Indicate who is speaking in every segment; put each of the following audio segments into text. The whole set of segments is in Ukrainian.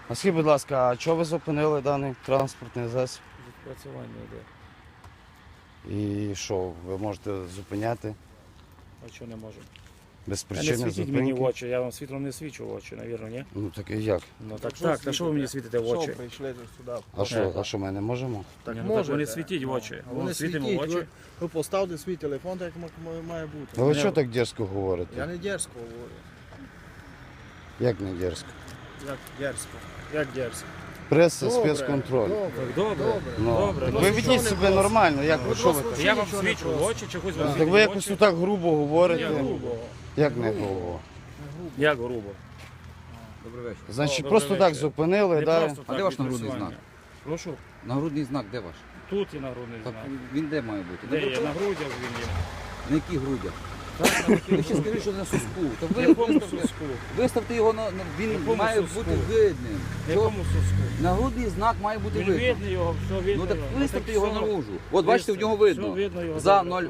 Speaker 1: А скажіть, будь ласка, а чого ви зупинили даний транспортний засіб?
Speaker 2: Відпрацювання йде.
Speaker 1: І що, ви можете зупиняти
Speaker 2: А чого не можу?
Speaker 1: без
Speaker 2: Не
Speaker 1: причини
Speaker 2: світіть мені в
Speaker 1: зупинки?
Speaker 2: очі, я вам світлом не свічу в очі, навірно, ні?
Speaker 1: Ну так і як?
Speaker 2: Ну так, та що ви мені світите в очі?
Speaker 3: Що прийшли сюди?
Speaker 1: А що ми не можемо?
Speaker 3: Так
Speaker 2: Ні, ну так ви не світіть в очі.
Speaker 3: А вони
Speaker 2: світимо в
Speaker 3: світіть,
Speaker 2: очі.
Speaker 3: ви поставте свій телефон, так як має бути.
Speaker 1: Ну ви
Speaker 2: Ні.
Speaker 1: що так дерзко
Speaker 3: Я
Speaker 1: говорите?
Speaker 3: не дерзко говорю.
Speaker 1: Як не дерзко?
Speaker 3: Як дерзко?
Speaker 2: Як дерзко?
Speaker 1: Преса, спецконтроль.
Speaker 3: Добре.
Speaker 2: Так добре.
Speaker 1: Ну,
Speaker 2: Добре.
Speaker 1: так
Speaker 2: Ну,
Speaker 1: ви
Speaker 2: що
Speaker 1: ведіть
Speaker 3: не
Speaker 1: себе
Speaker 3: просто?
Speaker 1: нормально, як ви, що ви
Speaker 3: просто
Speaker 1: так?
Speaker 2: Я вам
Speaker 3: Нічого не
Speaker 2: свічу в
Speaker 3: просто.
Speaker 2: очі, чи хоч вам
Speaker 1: Так
Speaker 2: світить
Speaker 1: ви
Speaker 2: в
Speaker 1: якось
Speaker 2: очі?
Speaker 1: тут так грубо говорите.
Speaker 2: Як грубо.
Speaker 1: Як не грубо?
Speaker 2: Як грубо?
Speaker 4: Добрий вечір.
Speaker 1: Значить,
Speaker 2: Добрий
Speaker 1: просто так
Speaker 2: вечір.
Speaker 1: зупинили,
Speaker 2: Не
Speaker 1: да?
Speaker 2: просто
Speaker 4: А
Speaker 2: так
Speaker 4: де ваш нагрудний
Speaker 2: відпрацювання. Прошу?
Speaker 4: Нагрудний знак де ваш?
Speaker 2: Тут і нагрудний
Speaker 4: Так
Speaker 2: знак.
Speaker 4: він де має бути?
Speaker 2: Де є? На грудях він є.
Speaker 4: На яких грудях?
Speaker 2: Так, на
Speaker 4: Ви ще скажіть, що на суску. Та
Speaker 2: В
Speaker 4: ви
Speaker 2: якому
Speaker 4: виставте,
Speaker 2: суску?
Speaker 4: виставте його він
Speaker 2: Якому
Speaker 4: має
Speaker 2: суску?
Speaker 4: бути видним.
Speaker 2: В якому суску?
Speaker 4: Нагрудний знак має бути
Speaker 2: Він
Speaker 4: видним.
Speaker 2: видно його, все видно.
Speaker 4: Ну так
Speaker 2: його.
Speaker 4: виставте
Speaker 2: так
Speaker 4: його
Speaker 2: все.
Speaker 4: наружу. От бачите, в нього видно.
Speaker 2: Все видно його.
Speaker 4: За
Speaker 2: добре.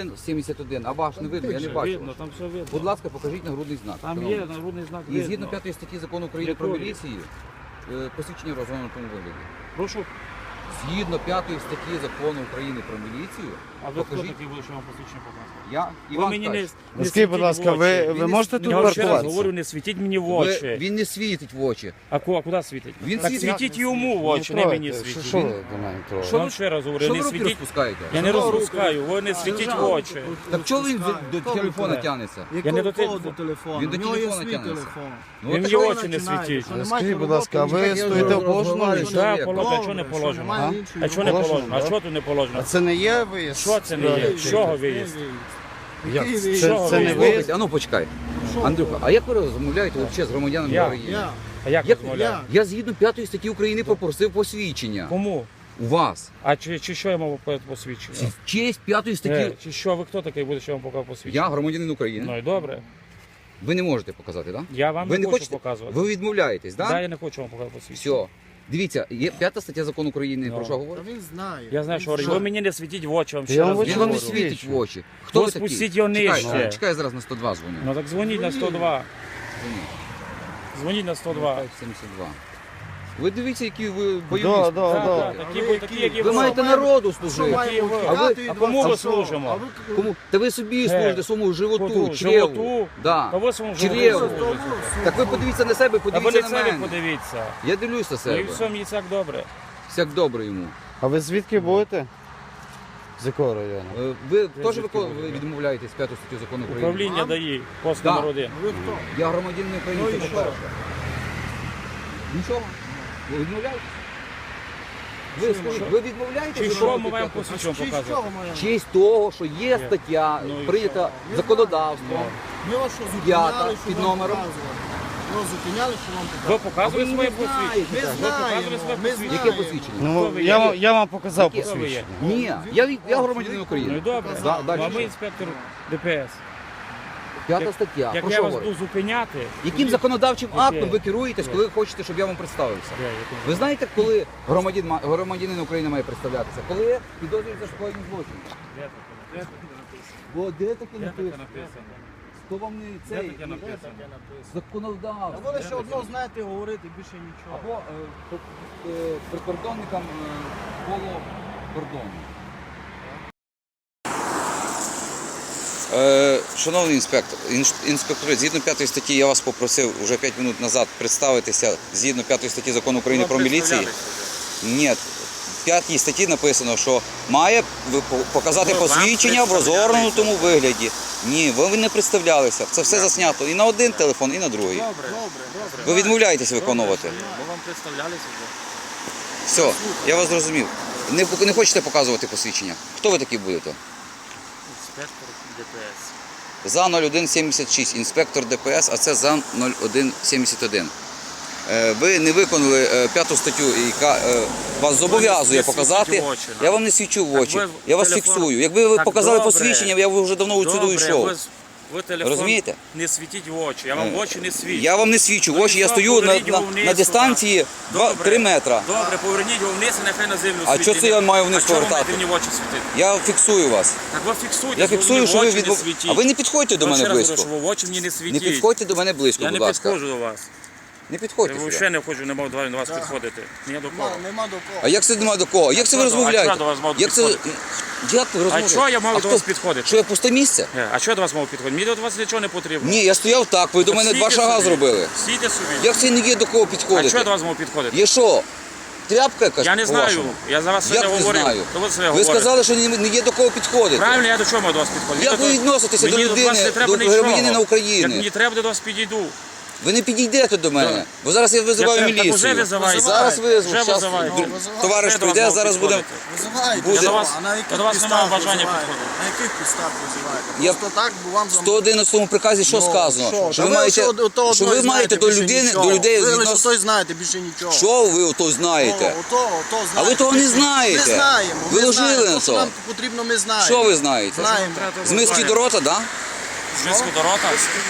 Speaker 4: 0171. А ваш не видно, я не
Speaker 2: Все
Speaker 4: бачу.
Speaker 2: видно, там все видно.
Speaker 4: Будь ласка, покажіть нагрудний знак.
Speaker 2: Там
Speaker 4: шановний.
Speaker 2: є нагрудний знак
Speaker 4: І
Speaker 2: видно.
Speaker 4: згідно 5 статті закону України про
Speaker 2: Якої?
Speaker 4: міліцію, посвідчення в розгорнутому вигляді.
Speaker 2: Прошу.
Speaker 4: Згідно 5 статті закону України про міліцію,
Speaker 2: А ви хто
Speaker 4: покажіть.
Speaker 2: такий буде, що вам посвідчення показувати?
Speaker 4: Я
Speaker 2: Ви
Speaker 4: Іван
Speaker 2: мені не,
Speaker 4: Ткач.
Speaker 2: не
Speaker 1: Скажіть, будь
Speaker 2: світіть
Speaker 1: ласка,
Speaker 2: в очі.
Speaker 1: ви можете тут
Speaker 2: Я вам ще раз
Speaker 1: паркуватися?
Speaker 2: говорю, не світіть мені в очі.
Speaker 4: Він не світить в очі.
Speaker 2: А куди світить?
Speaker 4: Він
Speaker 2: так
Speaker 4: світить.
Speaker 2: світіть йому в очі, не мені
Speaker 1: трогайте.
Speaker 2: світіть.
Speaker 1: Що ви до мене
Speaker 2: Я
Speaker 1: трогаєте?
Speaker 2: вам ще раз говорю,
Speaker 4: Що
Speaker 2: не
Speaker 4: ви руки
Speaker 2: світіть.
Speaker 4: розпускаєте?
Speaker 2: Я не розпускаю, ви не світіть в очі.
Speaker 4: Так чого він до
Speaker 3: Хто
Speaker 4: телефона
Speaker 3: виконає?
Speaker 4: тягнеться?
Speaker 2: Я не до
Speaker 3: Якого
Speaker 2: телефону.
Speaker 3: телефону?
Speaker 4: Він до
Speaker 3: У нього є
Speaker 4: телефона
Speaker 3: свій
Speaker 4: тягнеться.
Speaker 3: телефон.
Speaker 4: Ну,
Speaker 2: Ви
Speaker 4: от
Speaker 2: мені
Speaker 4: так
Speaker 2: очі не світіть.
Speaker 3: Що, не
Speaker 1: Скажіть,
Speaker 3: маєте
Speaker 1: будь ласка, а
Speaker 3: роботи,
Speaker 1: ви
Speaker 3: ніякої
Speaker 1: стоїте в
Speaker 3: роботи,
Speaker 1: положеному
Speaker 3: що
Speaker 1: місці?
Speaker 3: немає?
Speaker 2: Так, положено, а що не
Speaker 3: Добре,
Speaker 2: положено?
Speaker 3: немає
Speaker 1: А?
Speaker 3: іншої
Speaker 2: А чого не
Speaker 3: роботи.
Speaker 2: положено? А
Speaker 1: да?
Speaker 2: що тут не положено?
Speaker 1: А це не є виїзд?
Speaker 2: Що це не є? З чого виїзд?
Speaker 1: Як?
Speaker 3: Який
Speaker 1: Це
Speaker 2: виїзд?
Speaker 1: не
Speaker 2: Виїзд?
Speaker 1: виїзд?
Speaker 4: Слухайте, а ну почекай. Андрюха, а як ви розмовляєте взагалі з громадянами
Speaker 2: Я.
Speaker 4: України?
Speaker 3: Я.
Speaker 2: А як
Speaker 4: Як-
Speaker 2: розмовляю?
Speaker 4: Я згідно 5 статті України попросив посвідчення.
Speaker 2: Кому?
Speaker 4: У вас.
Speaker 2: А чи що я мав посвідчення?
Speaker 4: В честь 5 статті.
Speaker 2: Чи що, ви хто такий буде, що я вам показав посвідчення?
Speaker 4: Я громадянин України.
Speaker 2: Ну і добре.
Speaker 4: Ви не можете показати, так?
Speaker 2: Я вам
Speaker 4: Ви
Speaker 2: не
Speaker 4: не
Speaker 2: хочу
Speaker 4: хочете?
Speaker 2: показувати.
Speaker 4: Ви відмовляєтесь, так?
Speaker 2: Да, я не хочу вам показати посвідчення.
Speaker 4: Все. Дивіться, є 5 стаття закону України,
Speaker 2: Ну.
Speaker 4: про що
Speaker 3: Та
Speaker 4: говорить?
Speaker 3: він знає.
Speaker 2: Я знаю, що
Speaker 3: Він
Speaker 2: ви мені не світіть в очі, вам
Speaker 1: Я
Speaker 2: ще
Speaker 1: вам
Speaker 2: раз
Speaker 1: в очі
Speaker 4: Він вам не
Speaker 2: говорю.
Speaker 4: світить в очі. Хто
Speaker 2: Ну,
Speaker 4: ви такий?
Speaker 2: спустіть його
Speaker 4: Чекай,
Speaker 2: нижче.
Speaker 4: чекай, я зараз на 102 дзвоню.
Speaker 2: Ну так дзвоніть на 102. Дзвоніть на 102.
Speaker 4: 72. Ви дивіться, які ви
Speaker 1: Да,
Speaker 4: бойові.
Speaker 1: да,
Speaker 2: Так,
Speaker 1: да.
Speaker 2: так, такі, які
Speaker 4: Ви маєте народу служити.
Speaker 3: маємо
Speaker 2: ви?
Speaker 3: втікати
Speaker 2: А
Speaker 3: від
Speaker 2: кому
Speaker 3: вас?
Speaker 2: ви
Speaker 3: А що?
Speaker 2: служимо?
Speaker 3: А ви-
Speaker 4: Кому? Та ви собі служите своєму животу,
Speaker 2: Животу?
Speaker 4: чреву. Да.
Speaker 2: Та ви своєму
Speaker 4: Чреву.
Speaker 2: животу служите.
Speaker 4: Так ви подивіться на себе,
Speaker 2: А ви
Speaker 4: подивіться
Speaker 2: на
Speaker 4: на
Speaker 2: себе
Speaker 4: мене.
Speaker 2: подивіться.
Speaker 4: Я дивлюся
Speaker 2: Ну і
Speaker 4: себе.
Speaker 2: все, мені так добре.
Speaker 4: Всяк добре йому.
Speaker 1: А ви звідки будете? З якого району?
Speaker 4: Ви теж
Speaker 2: звідки буду?
Speaker 4: відмовляєтесь 5 статтю закону України?
Speaker 2: Управління дає пост
Speaker 4: Да.
Speaker 2: номер 1.
Speaker 3: Ви хто?
Speaker 4: Я громадянин України,
Speaker 3: Ну і
Speaker 4: це
Speaker 3: що?
Speaker 4: по-перше. Нічого. Ви відмовляєтесь? Ви скажіть, ви відмовляєтесь?
Speaker 2: Чи
Speaker 4: від
Speaker 2: що
Speaker 4: роботи
Speaker 2: ми маємо
Speaker 4: п'ятого?
Speaker 2: посвідчення
Speaker 3: Честь
Speaker 2: показувати?
Speaker 3: чого маємо?
Speaker 4: Честь того, що є стаття,
Speaker 2: Ну і
Speaker 4: прийнята законодавством.
Speaker 3: Ми вас що
Speaker 4: П'ята,
Speaker 3: зупиняли, що
Speaker 4: під
Speaker 3: вам
Speaker 4: номером.
Speaker 3: показували? Ми вас зупиняли, що вам
Speaker 2: Ви
Speaker 3: показували?
Speaker 2: показуєте
Speaker 4: А ви
Speaker 2: своє
Speaker 4: не
Speaker 2: посвідчення?
Speaker 4: знаєте.
Speaker 3: Ми
Speaker 2: Ви показуєте своє
Speaker 3: знаємо, ми
Speaker 2: посвідчення?
Speaker 4: Яке посвідчення?
Speaker 1: Ну,
Speaker 2: Хто ви
Speaker 1: я,
Speaker 2: є?
Speaker 1: я вам показав
Speaker 4: Яке?
Speaker 2: Хто ви є?
Speaker 1: посвідчення.
Speaker 4: Ні, я громадянин
Speaker 2: Ну і
Speaker 4: України.
Speaker 2: добре.
Speaker 4: Да,
Speaker 2: Ну,
Speaker 4: далі
Speaker 2: а ми
Speaker 4: що?
Speaker 2: інспектор ДПС.
Speaker 4: П'ята стаття.
Speaker 2: Як
Speaker 4: Про
Speaker 2: я
Speaker 4: що
Speaker 2: вас
Speaker 4: говорить?
Speaker 2: буду зупиняти,
Speaker 4: Яким законодавчим
Speaker 2: Яке?
Speaker 4: актом ви керуєтесь, коли ви хочете, щоб я вам представився?
Speaker 2: Де, яким?
Speaker 4: Ви знаєте, коли громадянин України має представлятися? Коли підозрюється скоєння злочину.
Speaker 2: Де таке? Де таке написано?
Speaker 4: Бо де таке
Speaker 2: Де таке
Speaker 4: написано?
Speaker 2: написано?
Speaker 4: Хто вам не
Speaker 2: Де
Speaker 4: цей
Speaker 2: таке написано?
Speaker 3: А
Speaker 4: законодавство?
Speaker 3: ви лише одно знаєте говорити, більше нічого.
Speaker 4: Або прикордонникам коло кордону. Шановний інспектор, інспектори, згідно 5 статті я вас попросив вже 5 хвилин назад представитися згідно 5 статті закону України про міліцію. Ні, в 5 статті написано, що має показати посвідчення в розгорнутому вигляді. Ні, ви не представлялися. Це все заснято і на один телефон, і на другий.
Speaker 2: Добре.
Speaker 4: Ви відмовляєтесь виконувати.
Speaker 2: Ми вам представлялися вже.
Speaker 4: Все, я вас зрозумів. Не хочете показувати посвідчення? Хто ви такі будете?
Speaker 2: Інспектор ДПС.
Speaker 4: За 0176, інспектор ДПС, а це за 0171. Ви не виконали 5 статтю, яка вас зобов'язує показати. Я вам не свічу в очі, я вас фіксую. Якби ви показали посвідчення, я б вже давно відсюди йшов.
Speaker 2: Ви телефон
Speaker 4: Розумієте?
Speaker 2: не світіть в очі, я вам в очі не свічу.
Speaker 4: Я вам не свічу в очі, я стою на дистанції 3 метра.
Speaker 2: Добре, поверніть його вниз і нехай на землю
Speaker 4: А
Speaker 2: світить.
Speaker 4: чого це я маю вниз
Speaker 2: А чого ви
Speaker 4: повертати?
Speaker 2: маєте мені в очі світити?
Speaker 4: Я фіксую вас.
Speaker 2: Так ви фіксуйте,
Speaker 4: Я фіксую, що ви
Speaker 2: в очі не
Speaker 4: відмов...
Speaker 2: світіть.
Speaker 4: А ви не підходьте до
Speaker 2: Я
Speaker 4: мене
Speaker 2: ще раз
Speaker 4: близько.
Speaker 2: говорю, що ви в очі мені не
Speaker 4: Не
Speaker 2: світіть.
Speaker 4: підходьте до мене близько,
Speaker 2: Я
Speaker 4: будь
Speaker 2: не
Speaker 4: ласка.
Speaker 2: підходжу до вас.
Speaker 4: Не підходьте
Speaker 2: Я
Speaker 4: сюди.
Speaker 2: взагалі не хочу, не мав до вас підходити. Ні до кого.
Speaker 3: Нема до кого.
Speaker 4: А як це нема до кого? Як це ви
Speaker 2: що до-
Speaker 4: розмовляєте?
Speaker 2: а що до вас мав
Speaker 4: Як це...
Speaker 2: підходити?
Speaker 4: Як ви
Speaker 2: А
Speaker 4: розмовляєте?
Speaker 2: що я мав
Speaker 4: А
Speaker 2: до
Speaker 4: хто-
Speaker 2: вас підходити?
Speaker 4: Що я пусте місце?
Speaker 2: А що я до вас мав підходити? Мені до вас нічого не потрібно.
Speaker 4: Ні, я стояв так, ви до мене
Speaker 2: Стійте
Speaker 4: 2 шага
Speaker 2: собі.
Speaker 4: зробили.
Speaker 2: Стійте собі.
Speaker 4: Як це не є до кого
Speaker 2: А що я
Speaker 4: підходити?
Speaker 2: до вас мав підходити?
Speaker 4: Є що? Тряпка якась?
Speaker 2: Я не знаю.
Speaker 4: по-вашому?
Speaker 2: Я за вас
Speaker 4: Як
Speaker 2: сьогодні
Speaker 4: не
Speaker 2: говорив.
Speaker 4: знаю?
Speaker 2: То ви себе
Speaker 4: Ви
Speaker 2: говорите.
Speaker 4: сказали, що не є до кого підходити.
Speaker 2: Правильно, я до чого мав до вас підходити?
Speaker 4: Як ви відноситеся до
Speaker 2: Мені вас
Speaker 4: людини,
Speaker 2: не треба
Speaker 4: до
Speaker 2: нічого.
Speaker 4: громадянина України?
Speaker 2: Як мені треба, до вас підійду.
Speaker 4: Ви не підійдете до мене,
Speaker 2: Так.
Speaker 4: бо зараз я визиваю
Speaker 2: Так уже
Speaker 4: міліцію.
Speaker 2: визиваєте.
Speaker 4: Зараз визву.
Speaker 2: Вже
Speaker 4: Щас
Speaker 2: визиваєте.
Speaker 4: товариш
Speaker 2: Вже до вас
Speaker 4: прийде,
Speaker 2: мав
Speaker 4: зараз будемо...
Speaker 2: підходити.
Speaker 3: Визивайте.
Speaker 4: Буде.
Speaker 2: До вас-
Speaker 3: А на яких
Speaker 2: до вас немає
Speaker 3: підставах
Speaker 2: бажання
Speaker 3: визиваєте?
Speaker 2: підходити.
Speaker 3: На яких підставах визиваєте?
Speaker 4: Я-
Speaker 3: Просто так, бо вам
Speaker 4: В 111 приказі що
Speaker 3: Ну,
Speaker 4: сказано?
Speaker 3: що?
Speaker 4: Що
Speaker 3: Та
Speaker 4: ви маєте,
Speaker 3: що до
Speaker 4: що ви
Speaker 3: одної
Speaker 4: маєте
Speaker 3: знаєте,
Speaker 4: до
Speaker 3: більше
Speaker 4: людини,
Speaker 3: нічого.
Speaker 4: до людей
Speaker 3: Ви лише
Speaker 4: відносити.
Speaker 3: той знаєте, більше нічого.
Speaker 4: Що ви ото знаєте?
Speaker 3: Ото знаєте.
Speaker 4: А ви того не знаєте.
Speaker 3: Ми знаємо.
Speaker 4: Ви
Speaker 3: ми
Speaker 4: ложили
Speaker 3: знаємо.
Speaker 4: на
Speaker 3: То, що
Speaker 4: то.
Speaker 3: нам потрібно, ми знаємо.
Speaker 4: Що ви знаєте?
Speaker 3: Знаємо.
Speaker 4: З миски до рота, да?
Speaker 2: З миску до рота.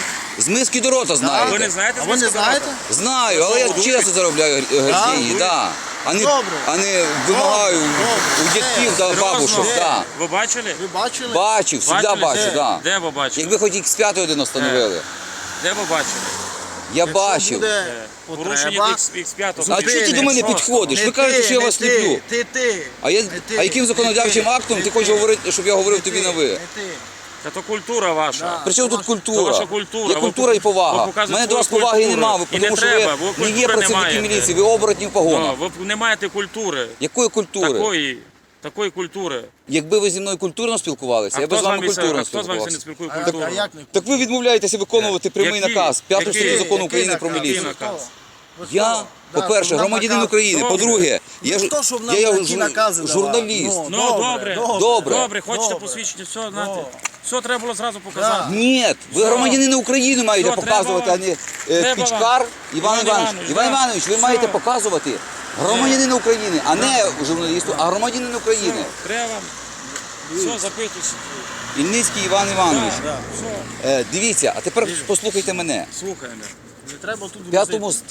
Speaker 4: З миски до рота
Speaker 2: А ви
Speaker 4: знаєте?
Speaker 2: не знаєте
Speaker 3: А
Speaker 2: з
Speaker 3: ви
Speaker 2: миску
Speaker 3: не
Speaker 2: до рота?
Speaker 3: знаєте?
Speaker 4: Знаю, але я чесно заробляю гроші, да. А не вимагаю у дядьків та
Speaker 2: Серйозно?
Speaker 4: бабушок, да.
Speaker 2: Ви бачили?
Speaker 3: Ви бачили?
Speaker 4: Бачив, завжди
Speaker 2: Бачили?
Speaker 4: бачу,
Speaker 2: Де?
Speaker 4: да.
Speaker 2: Де ви бачили?
Speaker 4: Якби хоч X5 один встановили.
Speaker 2: Де ви бачили?
Speaker 4: Я
Speaker 3: Якщо
Speaker 4: бачив.
Speaker 3: буде
Speaker 2: Порушення
Speaker 3: потреба,
Speaker 2: X5.
Speaker 4: А чого ти до мене підходиш?
Speaker 3: не
Speaker 4: Ви кажете,
Speaker 3: ти,
Speaker 4: що я
Speaker 3: не
Speaker 4: вас
Speaker 3: ти,
Speaker 4: сліплю.
Speaker 3: Ти.
Speaker 4: А
Speaker 3: ти,
Speaker 4: яким
Speaker 3: не
Speaker 4: законодавчим
Speaker 3: ти,
Speaker 4: актом
Speaker 3: не
Speaker 4: ти хочеш
Speaker 3: ти,
Speaker 4: говорити, щоб я говорив
Speaker 3: не
Speaker 4: тобі
Speaker 3: ти,
Speaker 4: на ви?
Speaker 3: не ти.
Speaker 2: Це культура ваша.
Speaker 3: Да.
Speaker 4: При чому тут
Speaker 2: Це
Speaker 4: культура?
Speaker 2: ваша культура.
Speaker 4: Є
Speaker 2: Ви
Speaker 4: культура і
Speaker 2: ви
Speaker 4: повага. У
Speaker 2: показуєте
Speaker 4: мене до вас
Speaker 2: свою
Speaker 4: поваги
Speaker 2: культуру.
Speaker 4: немає,
Speaker 2: І
Speaker 4: тому
Speaker 2: не
Speaker 4: що
Speaker 2: треба,
Speaker 4: ви
Speaker 2: ви
Speaker 4: не є
Speaker 2: культури не
Speaker 4: працівники
Speaker 2: маєте.
Speaker 4: міліції, ви оборотні в погонах.
Speaker 2: Ви не маєте культури.
Speaker 4: Якої культури?
Speaker 2: Такої культури.
Speaker 4: Якби ви зі мною культурно спілкувалися, я би з вами культурно
Speaker 2: хто з вами не
Speaker 4: спілкувався.
Speaker 2: спілкує
Speaker 3: А
Speaker 2: культуру?
Speaker 3: як не
Speaker 4: Так ви відмовляєтеся виконувати прямий
Speaker 2: Який?
Speaker 4: наказ 5 статті
Speaker 2: Який?
Speaker 4: закону України
Speaker 3: Який
Speaker 4: про
Speaker 3: наказ?
Speaker 4: міліцію.
Speaker 2: Який наказ?
Speaker 4: Я, по-перше, громадянин України,
Speaker 2: Добре.
Speaker 4: по-друге, я ж
Speaker 3: Хто, щоб нам
Speaker 4: я
Speaker 3: такі накази давав?
Speaker 4: журналіст.
Speaker 3: Ну,
Speaker 2: Ну, добре.
Speaker 4: Добре.
Speaker 2: Добре, хочете
Speaker 3: Добре.
Speaker 2: посвідчення, все, знаєте. Все треба було зразу показати.
Speaker 4: Ні, ви громадянина України маєте
Speaker 2: Що,
Speaker 4: показувати, а
Speaker 2: треба
Speaker 4: не
Speaker 2: Треба
Speaker 4: Пічкар
Speaker 2: вам.
Speaker 4: Іван
Speaker 2: Іван
Speaker 4: Іванович.
Speaker 2: Іванович,
Speaker 4: Іван
Speaker 2: да.
Speaker 4: Іванович, ви
Speaker 2: Все.
Speaker 4: маєте показувати громадянина України, а не журналісту, а громадянина України.
Speaker 2: Треба. Все, запитуйся.
Speaker 4: Ільницький Іван Іванович.
Speaker 2: Все,
Speaker 4: Дивіться, а тепер послухайте мене.
Speaker 2: слухаємо.
Speaker 3: Не треба тут
Speaker 4: В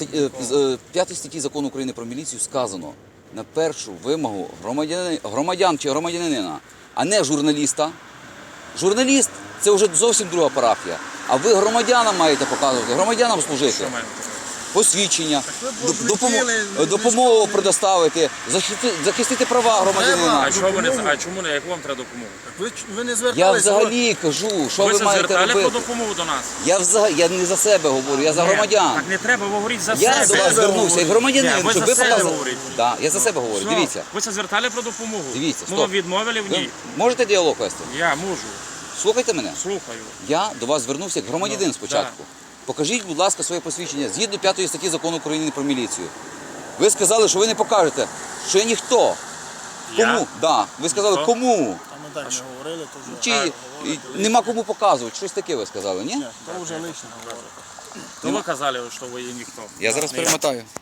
Speaker 4: 5 статті закону України про міліцію сказано на першу вимогу громадян чи громадянина, а не журналіста. Журналіст це вже зовсім друга парафія. А ви громадянам маєте показувати, громадянам служити.
Speaker 2: Що маємо?
Speaker 4: Посвідчення,
Speaker 3: ви б летіли,
Speaker 4: допомогу
Speaker 3: військові.
Speaker 4: предоставити, захистити права громадянина.
Speaker 2: А чому не а чому не яку вам треба допомогу?
Speaker 3: Ви не
Speaker 4: Я
Speaker 3: звертались.
Speaker 4: взагалі кажу, що
Speaker 2: Ви
Speaker 4: ви
Speaker 2: це
Speaker 4: маєте
Speaker 2: звертали про
Speaker 4: робити.
Speaker 2: допомогу до нас?
Speaker 4: Я не за себе говорю, я за громадян.
Speaker 2: Так не треба, ви говоріть за
Speaker 4: Я до
Speaker 2: себе.
Speaker 4: вас звернувся як громадянин,
Speaker 2: Ні, ви
Speaker 4: щоб
Speaker 2: за
Speaker 4: ви
Speaker 2: себе
Speaker 4: показали.
Speaker 2: говорите.
Speaker 4: Да, я за себе говорю.
Speaker 2: Все.
Speaker 4: Дивіться,
Speaker 2: Ви це звертали про допомогу?
Speaker 4: Дивіться,
Speaker 2: Ми
Speaker 4: стоп.
Speaker 2: вам відмовили в
Speaker 4: ви
Speaker 2: ній?
Speaker 4: можете діалог вести?
Speaker 2: Я можу.
Speaker 4: Слухайте мене.
Speaker 2: Слухаю.
Speaker 4: Я до вас звернувся як громадянин
Speaker 2: Ну,
Speaker 4: спочатку. Покажіть, будь ласка, своє посвідчення згідно 5 статті закону України про міліцію. Ви сказали, що ви не покажете, що я ніхто.
Speaker 2: Я?
Speaker 4: Кому? Да. Ви сказали,
Speaker 2: Ніхто?
Speaker 4: кому?
Speaker 3: Там ми так не говорили, то вже.
Speaker 4: Чи нема кому показувати? Щось таке ви сказали, ні?
Speaker 3: То вже лично говорили.
Speaker 2: То ви казали, що ви є ніхто.
Speaker 4: Я зараз
Speaker 2: Не я.
Speaker 4: перемотаю.